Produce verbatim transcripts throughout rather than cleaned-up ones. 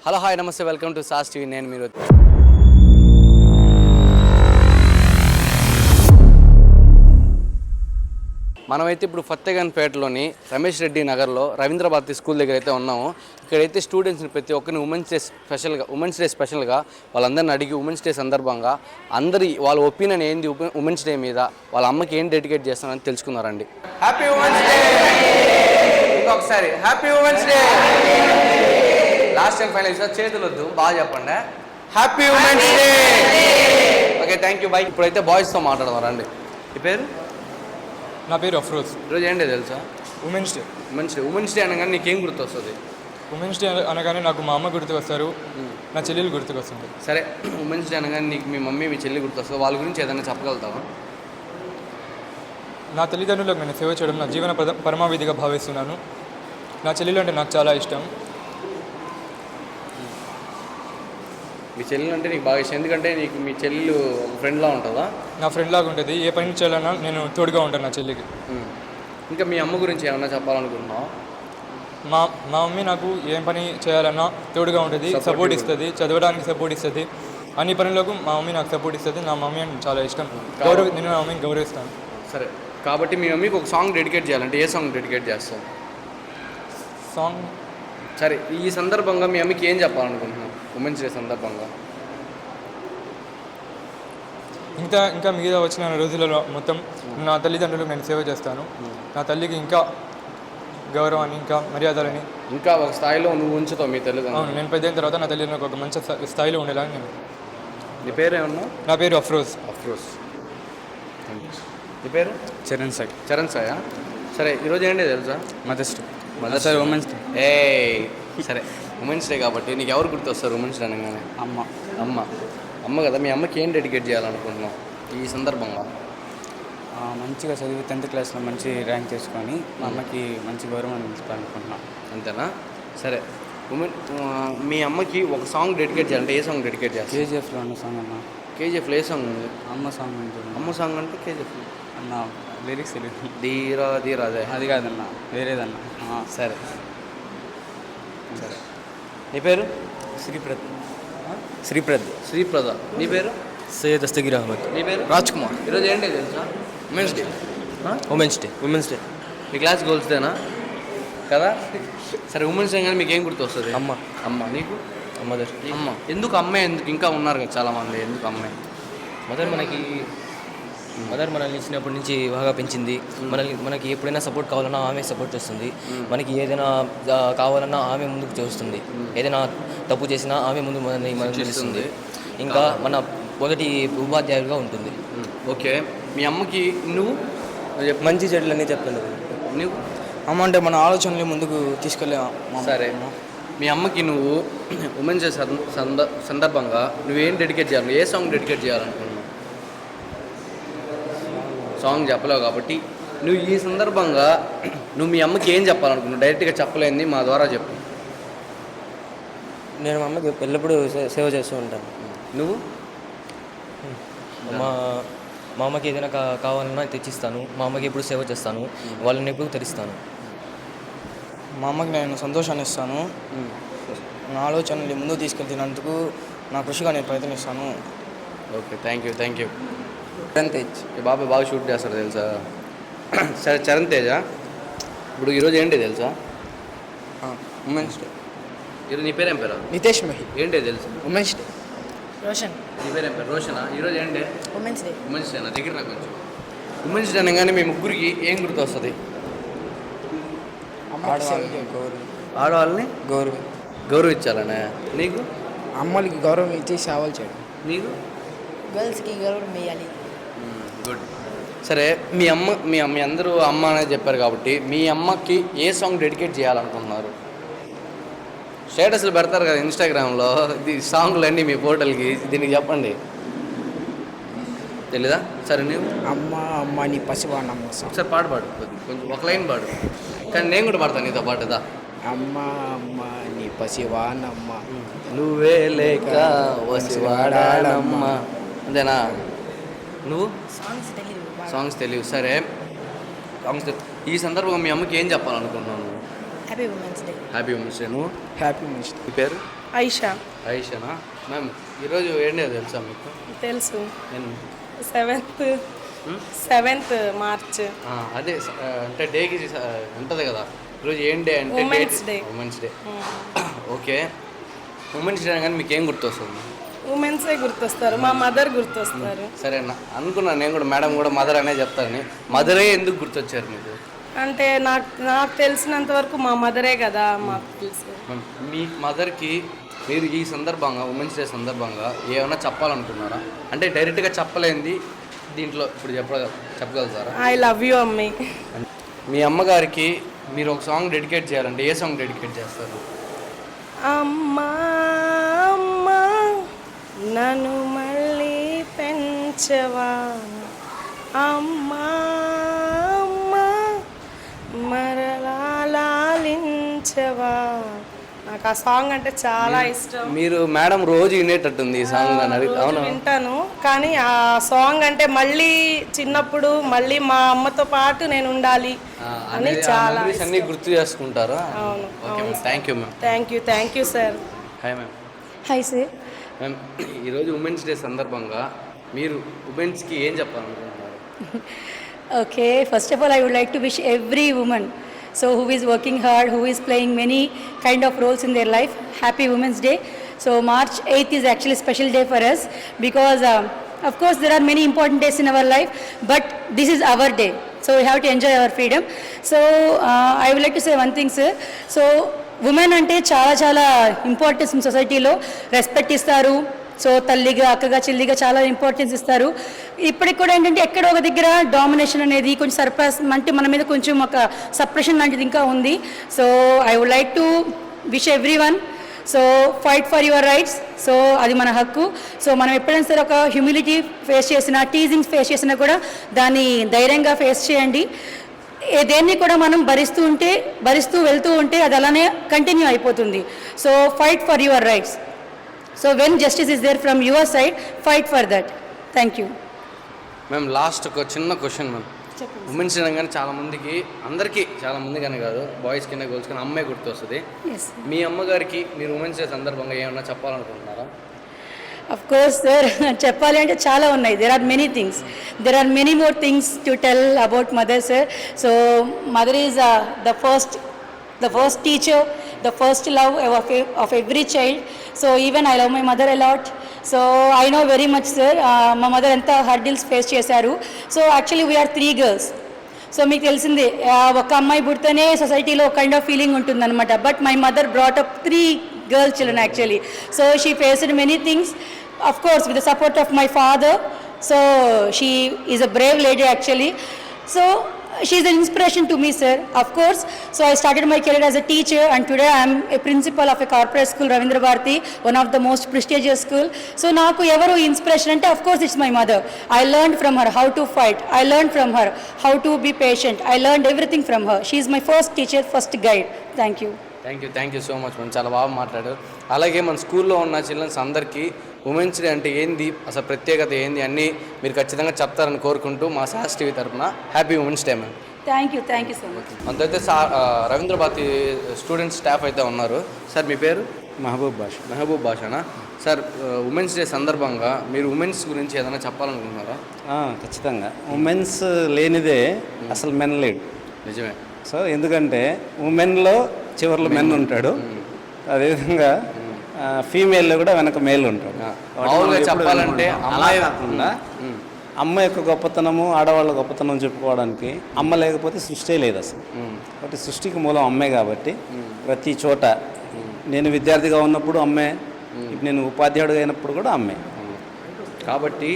Hello hi నమస్తే, welcome to Saas TV. నేను మీరు మనమైతే ఇప్పుడు ఫత్తేగన్పేటలోని రమేష్ రెడ్డి నగర్లో రవీంద్ర భారతి స్కూల్ దగ్గర అయితే ఉన్నాము. ఇక్కడైతే స్టూడెంట్స్ని ప్రతి ఒక్కరిని ఉమెన్స్ డే స్పెషల్గా ఉమెన్స్ డే స్పెషల్గా వాళ్ళందరిని అడిగి ఉమెన్స్ డే సందర్భంగా అందరి వాళ్ళ ఒపీనియన్ ఏంది ఉమెన్స్ డే మీద, వాళ్ళ అమ్మకి ఏం డెడికేట్ చేస్తానని తెలుసుకున్నారండి. హ్యాపీ ఉమెన్స్ డే, ఇంకొకసారి happy women's day. Last time final sir చేతులు వద్దు, బాగా చెప్పండి. Happy women's day. Okay, thank you bye. ఇప్పుడైతే బాయ్స్తో మాట్లాడదాం రండి. ఈ పేరు? నా పేరు అఫ్రోజ్. ఈరోజు ఏంటి తెలుసా? Women's day. Women's day women's day అనగానే నీకేం గుర్తు వస్తుంది? ఉమెన్స్ డే అనగానే నాకు మా అమ్మ గుర్తుకు వస్తారు, నా చెల్లెలు గుర్తుకు వస్తుంది. సరే, ఉమెన్స్ డే అనగానే నీకు మీ మమ్మీ మీ చెల్లి గుర్తొస్తుంది, వాళ్ళ గురించి ఏదైనా చెప్పగలుగుతావా? నా తల్లిదండ్రులకు నేను సేవ చేయడం నా జీవన పద పరమావిధిగా భావిస్తున్నాను. నా చెల్లెలు అంటే నాకు చాలా ఇష్టం. మీ చెల్లెలు అంటే నీకు బాగా ఇష్టం, ఎందుకంటే నీకు మీ చెల్లెలు ఒక ఫ్రెండ్లా ఉంటుందా? నా ఫ్రెండ్ లాగా ఉంటుంది. ఏ పని చేయాలన్నా నేను తోడుగా ఉంటాను నా చెల్లికి. ఇంకా మీ అమ్మ గురించి ఏమన్నా చెప్పాలనుకుంటున్నావా? మా మా మమ్మీ నాకు ఏం పని చేయాలన్నా తోడుగా ఉంటుంది, సపోర్ట్ ఇస్తుంది, చదవడానికి సపోర్ట్ ఇస్తుంది, అన్ని పనులకు మా మమ్మీ నాకు సపోర్ట్ ఇస్తుంది. నా మమ్మీ అంటే చాలా ఇష్టం, గౌరవ నేను నా మమ్మీని గౌరవిస్తాను. సరే, కాబట్టి మీ మమ్మీకి ఒక సాంగ్ డెడికేట్ చేయాలంటే ఏ సాంగ్ డెడికేట్ చేస్తావు? సాంగ్ సరే, ఈ సందర్భంగా మీ అమ్మకి ఏం చెప్పాలనుకుంటున్నావు ఉమెన్స్ డే సందర్భంగా? ఇంకా ఇంకా మిగతా వచ్చిన రోజులలో మొత్తం నా తల్లిదండ్రులకు నేను సేవ చేస్తాను. నా తల్లికి ఇంకా గౌరవాన్ని, ఇంకా మర్యాదలని ఇంకా ఒక స్థాయిలో నువ్వు ఉంచుతావు మీ తల్లిదండ్రులు. అవును, నేను పెద్ద అయిన తర్వాత నా తల్లిదండ్రులకు ఒక మంచి స్థాయిలో ఉండేలా నేను. నీ పేరు ఏమన్నా? నా పేరు అఫ్రోజ్. అఫ్రోజ్. నీ పేరు? చరణ్ సాయి. చరణ్ సాయా? సరే, ఈరోజు ఏంటి తెలుసా? Mother's day. Mother's day, women's day. ఏ సరే, ఉమెన్స్ డే కాబట్టి నీకు ఎవరు గుర్తొస్తారు ఉమెన్స్ డే అనగానే? అమ్మ. అమ్మ అమ్మ కదా. మీ అమ్మకి ఏం డెడికేట్ చేయాలనుకుంటున్నావు ఈ సందర్భంగా? మంచిగా చదివి టెన్త్ క్లాస్లో మంచి ర్యాంక్ తెచ్చుకొని మా అమ్మకి మంచి గౌరవం ఇవ్వాలనుకుంటున్నాను. అంతేనా? సరే, ఉమెన్ మీ అమ్మకి ఒక సాంగ్ డెడికేట్ చేయాలంటే ఏ సాంగ్ డెడికేట్ చేస్తారు? కేజీఎఫ్లో ఉన్న సాంగ్ అన్న. కేజీఎఫ్లో ఏ సాంగ్ ఉంది? అమ్మ సాంగ్ ఉంటుంది. అమ్మ సాంగ్ అంటే కేజీఎఫ్ అన్న లిరిక్స్ తెలియదు. ధీరా ధీరా అదే అది కాదన్న, వేరేదన్న. సరే సరే. నీ పేరు? శ్రీప్రద్. శ్రీప్రద్. శ్రీప్రద. నీ పేరు? సయ్యద్ దస్తగిర్ అహ్మద్. నీ పేరు? రాజ్ కుమార్. ఈరోజు ఏంటి తెలుసా? Women's day. Women's day. Women's day మీ క్లాస్ గోల్స్ డేనా కదా? సరే, ఉమెన్స్ డే కానీ మీకు ఏం గుర్తు వస్తుంది? అమ్మ. అమ్మ. నీకు? మదర్. అమ్మ. ఎందుకు అమ్మాయి? ఎందుకు ఇంకా ఉన్నారు కదా చాలామంది, ఎందుకు అమ్మాయి? మదర్ మనకి మదర్ మనల్ని ఇచ్చినప్పటి నుంచి బాగా పెంచింది. మనల్ని మనకి ఎప్పుడైనా సపోర్ట్ కావాలన్నా ఆమె సపోర్ట్ చేస్తుంది. మనకి ఏదైనా కావాలన్నా ఆమె ముందుకు చేస్తుంది. ఏదైనా తప్పు చేసినా ఆమె ముందు మనల్ని మనల్ని తెలుస్తుంది. ఇంకా మన మొదటి ఉపాధ్యాయులుగా ఉంటుంది. ఓకే, మీ అమ్మకి నువ్వు మంచి చెడులన్నీ చెప్తాను. నువ్వు అమ్మ అంటే మన ఆలోచనలు ముందుకు తీసుకెళ్ళే. సరే, మీ అమ్మకి నువ్వు ఉమెన్స్ డే సంద సందర్భంగా నువ్వేం డెడికేట్ చేయాలి? ఏ సాంగ్ డెడికేట్ చేయాలనుకున్నావు? సాంగ్ చెప్పలేవు కాబట్టి నువ్వు ఈ సందర్భంగా నువ్వు మీ అమ్మకి ఏం చెప్పాలనుకున్నావు? డైరెక్ట్గా చెప్పలేంది మా ద్వారా చెప్పు. నేను మా అమ్మకి ఎల్లప్పుడూ సేవ చేస్తూ ఉంటాను. నువ్వు? మా మా అమ్మకి ఏదైనా కా కావాలన్నా తెచ్చిస్తాను. మా అమ్మకి ఎప్పుడు సేవ చేస్తాను, వాళ్ళని ఎప్పుడు తెరిస్తాను. మా అమ్మకి నేను సంతోషాన్ని ఇస్తాను. నా ఆలోచనలు ముందుకు తీసుకెళ్తున్నందుకు నా కృషిగా నేను ప్రయత్నిస్తాను. Okay, thank you thank you Charan Tej. ఈ బాబాయ్ బాగా షూట్ చేస్తాడు తెలుసా? సరే, చరణ్ తేజ, ఇప్పుడు ఈరోజు ఏంటి తెలుసా? Women's day. ఈరోజు నీ పేరేం పేరు? నితేష్ మహి. ఏంటి తెలుసు? Women's day. రోషన్. నీ పేరేం పేరు? రోషనా. ఈరోజు ఏంటి? Women's day. Women's day. నా దగ్గర నాకు కొంచెం ఉమెన్స్ డే అనగానే మీ ముగ్గురికి ఏం గుర్తు వస్తుంది? ఆడవాళ్ళకి గౌరవం. ఆడవాళ్ళని గౌరవం గౌరవించాలనే. నీకు? అమ్మలకి గౌరవం ఇచ్చి సేవలు చేయడం. నీకు? గర్ల్స్కి గౌరవం వేయాలి. గుడ్. సరే, మీ అమ్మ మీ మీ అందరూ అమ్మ అనేది చెప్పారు కాబట్టి మీ అమ్మకి ఏ సాంగ్ డెడికేట్ చేయాలనుకుంటున్నారు? స్టేటస్లు పెడతారు కదా ఇన్స్టాగ్రామ్లో, ఇది సాంగ్లన్నీ మీ పోర్టల్కి, దీనికి చెప్పండి. తెలీదా? సరే, నువ్వు? అమ్మ అమ్మ నీ పసివాణమ్మ. ఒకసారి పాట పాడు, కొంచెం ఒక లైన్ పాడు. కానీ నేను కూడా పాడతాను నీతో పాటుదా. అమ్మ అమ్మ నీ పసివాణమ్మ, నువ్వే లేక వసివాడాలమ్మ. అంతేనా? నువ్వు? సాంగ్స్ తెలియదు. సాంగ్స్ తెలియదు. సరే, సాంగ్స్ ఈ సందర్భంగా మీ అమ్మకి ఏం చెప్పాలనుకుంటున్నాను? Happy women's day. Happy women's day. నువ్వు? Happy women's day. ఈ పేరు? ఐషా ఐషానా మ్యామ్ ఈరోజు ఏంటి తెలుసా మీకు తెలుసు నేను సెవెంత్ సెవెంత్ మార్చ్ ఆ, అదే స- ఆ, అంటే డేకి స- ఉంటుంది కదా ఈరోజు ఏం డే అంటే Women's Day. Women's day okay women's day కానీ మీకు ఏం గుర్తొస్తుంది ఉమెన్సే గుర్తొస్తారు మా మదర్ గుర్తొస్తారు సరే అన్న అనుకున్నాను నేను కూడా మేడం కూడా మదర్ అనే చెప్తారని మదరే ఎందుకు గుర్తొచ్చారు మీకు అంటే నాకు నాకు తెలిసినంత వరకు మా మదరే కదా మాకు తెలుసు మ్యామ్, మీ మదర్కి మీరు ఈ సందర్భంగా ఉమెన్స్ డే సందర్భంగా ఏమైనా చెప్పాలనుకున్నారా అంటే డైరెక్ట్గా చెప్పలేంది దీంట్లో ఇప్పుడు చెప్ప చెప్పగలుగుతారా ఐ లవ్ యూ అమ్మి. మీ అమ్మగారికి మీరు ఒక సాంగ్ డెడికేట్ చేయాలంటే ఏ సాంగ్ డెడికేట్ చేస్తారు అమ్మా అమ్మా నన్ను మళ్ళీ పెంచవా అమ్మా అమ్మా మరలా లాలించవా. నాకు ఆ సాంగ్ అంటే చాలా ఇష్టం. మీరు మేడం రోజు వినేటట్టుంది ఈ సాంగ్ అని అడిగి రోజు అవునా వింటాను కానీ ఆ సాంగ్ అంటే మళ్ళీ చిన్నప్పుడు మళ్ళీ మా అమ్మతో పాటు నేను ఉండాలి అని చాలా మెమరీస్ అన్ని గుర్తు చేసుకుంటారా అవును okay ma'am thank you ma'am thank you thank you sir. Hi ma'am hi sir. Ma'am ఈరోజు ఉమెన్స్ డే సందర్భంగా మీరు ఉమెన్స్కి ఏం చెప్పాలనుకుంటున్నారు Okay, first of all, I would like to wish every woman, so who is working hard, who is playing many kind of roles in their life, happy Women's Day. So March eighth is actually a special day for us because, um, of course, there are many important days in our life, but this is our day. So we have to enjoy our freedom. So uh, I would like to say one thing, sir. So women ante చాలా చాలా importance సొసైటీలో respect ఇస్తారు. So తల్లిగా అక్కగా చెల్లిగా చాలా importance ఇస్తారు. ఇప్పటికి కూడా ఏంటంటే ఎక్కడో ఒక దగ్గర డామినేషన్ అనేది కొంచెం సర్ప్రస్ అంటే మన మీద కొంచెం ఒక సప్రెషన్ లాంటిది ఇంకా ఉంది. So I would like to wish everyone so fight for your rights. So అది మన హక్కు. సో మనం ఎప్పుడైనా సరే ఒక హ్యూమిలిటీ ఫేస్ చేసినా టీజింగ్స్ ఫేస్ చేసినా కూడా దాన్ని ధైర్యంగా ఫేస్ చేయండి. ఏ దేన్ని కూడా మనం భరిస్తూ ఉంటే భరిస్తూ వెళ్తూ ఉంటే అది అలానే కంటిన్యూ అయిపోతుంది. So fight for your rights. So when justice is there from your side, fight for that. Thank you. Ma'am last ఒక చిన్న క్వశ్చన్ మ్యామ్ ఉమెన్స్ డే అనగానే చాలా మందికి అందరికీ చాలా మందికనే కాదు బాయ్స్ కింద గర్ల్స్ కింద అమ్మాయి గుర్తొస్తుంది. Yes. మీ అమ్మగారికి మీరు ఉమెన్స్ డే సందర్భంగా ఏమన్నా చెప్పాలనుకుంటున్నారా Of course, sir. చెప్పాలి అంటే చాలా ఉన్నాయి. There are many things. There are many more things to tell about mother, sir. So mother is uh, the first, the first teacher, the first love of, of every child. So even I love my mother a lot. So I know very much, sir. Uh, మా mother ఎంత hurdles face చేశారు. So actually we're three girls. So మీకు తెలిసిందే ఒక అమ్మాయి పుడితేనే సొసైటీలో kind of feeling ఉంటుందన్నమాట. But my mother brought up three girl children actually. So she faced many things of course with the support of my father. So she is a brave lady actually. So she is an inspiration to me, sir, of course. So I started my career as a teacher and today I am a principal of a corporate school, Ravindra Bharati, one of the most prestigious school. So naaku evaru inspiration ante of course it's my mother. I learned from her how to fight. I learned from her how to be patient. I learned everything from her. She is my first teacher, first guide. Thank you. Thank you thank you so much ma'am చాలా బాగా మాట్లాడారు. అలాగే మన స్కూల్లో ఉన్న children's అందరికీ women's day అంటే ఏంది అసలు ప్రత్యేకత ఏంది అన్నీ మీరు ఖచ్చితంగా చెప్తారని కోరుకుంటూ మా సాహస్ టీవీ తరఫున happy women's day ma'am. Thank you, thank you so much. అంతైతే సా రవీంద్ర భారతి స్టూడెంట్ స్టాఫ్ అయితే ఉన్నారు. సార్ మీ పేరు మహబూబ్ భాష. మెహబూబ్ భాషనా సార్? ఉమెన్స్ డే సందర్భంగా మీరు ఉమెన్స్ గురించి ఏదైనా చెప్పాలనుకుంటున్నారా? ఆ, ఖచ్చితంగా ఉమెన్స్ లేనిదే అసలు మెన్ లేడు. నిజమే. సో ఎందుకంటే ఉమెన్లో చివరిలో మెన్ ఉంటాడు, అదేవిధంగా ఫీమేల్లో కూడా వెనక మేల్ ఉంటాడు. మామూలుగా చెప్పాలంటే అలా అమ్మాయి కాకుండా అమ్మ యొక్క గొప్పతనము ఆడవాళ్ళ గొప్పతనం చెప్పుకోవడానికి అమ్మ లేకపోతే సృష్టి లేదు అసలు. కాబట్టి సృష్టికి మూలం అమ్మే కాబట్టి ప్రతి చోట నేను విద్యార్థిగా ఉన్నప్పుడు అమ్మే, ఇప్పుడు నేను ఉపాధ్యాయుడిగా అయినప్పుడు కూడా అమ్మే. కాబట్టి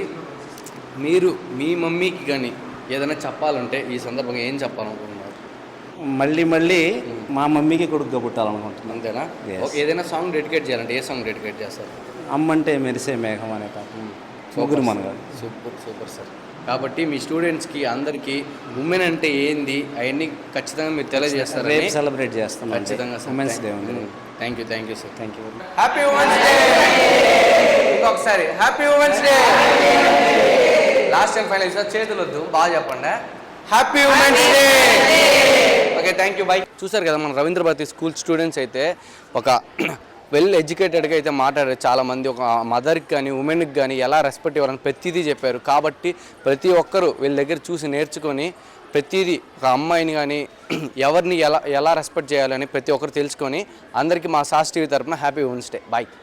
మీరు మీ మమ్మీకి కానీ ఏదైనా చెప్పాలంటే ఈ సందర్భంగా ఏం చెప్పాలనుకుంటున్నారు? మళ్ళీ మళ్ళీ మా మమ్మీకి కొడుకుగా పుట్టాలనుకుంటున్నాను. అంతేనా? Yes. ఓకే, ఏదైనా సాంగ్ డెడికేట్ చేయాలంటే ఏ సాంగ్ డెడికేట్ చేస్తారు? అమ్మంటే మెరిసే మేఘం అనే పాట ముగ్గురు మనగాడు. Super super sir. కాబట్టి మీ స్టూడెంట్స్కి అందరికీ ఉమెన్ అంటే ఏంది అవన్నీ ఖచ్చితంగా మీరు తెలియజేస్తారు. రేపు సెలబ్రేట్ చేస్తాం ఖచ్చితంగా ఉమెన్స్ డే ఉంది. Thank you thank you sir. Thank you. Happy women's day. ఇంకొకసారి happy women's day. Last time final sir చేతులు వద్దు, బాగా చెప్పండి. Happy women's day. Okay thank you bye. చూసారు కదా మన రవీంద్ర భారతి స్కూల్ స్టూడెంట్స్ అయితే ఒక వెల్ ఎడ్యుకేటెడ్గా అయితే మాట్లాడారు చాలామంది. ఒక మదర్కి కానీ ఉమెన్కి కానీ ఎలా రెస్పెక్ట్ ఇవ్వాలని ప్రతిదీ చెప్పారు. కాబట్టి ప్రతి ఒక్కరూ వీళ్ళ దగ్గర చూసి నేర్చుకొని ప్రతిదీ ఒక అమ్మాయిని కానీ ఎవరిని ఎలా ఎలా రెస్పెక్ట్ చేయాలని ప్రతి ఒక్కరు తెలుసుకొని అందరికీ మా సాస్ టీవీ తరపున హ్యాపీ ఉమెన్స్ డే. బాయ్.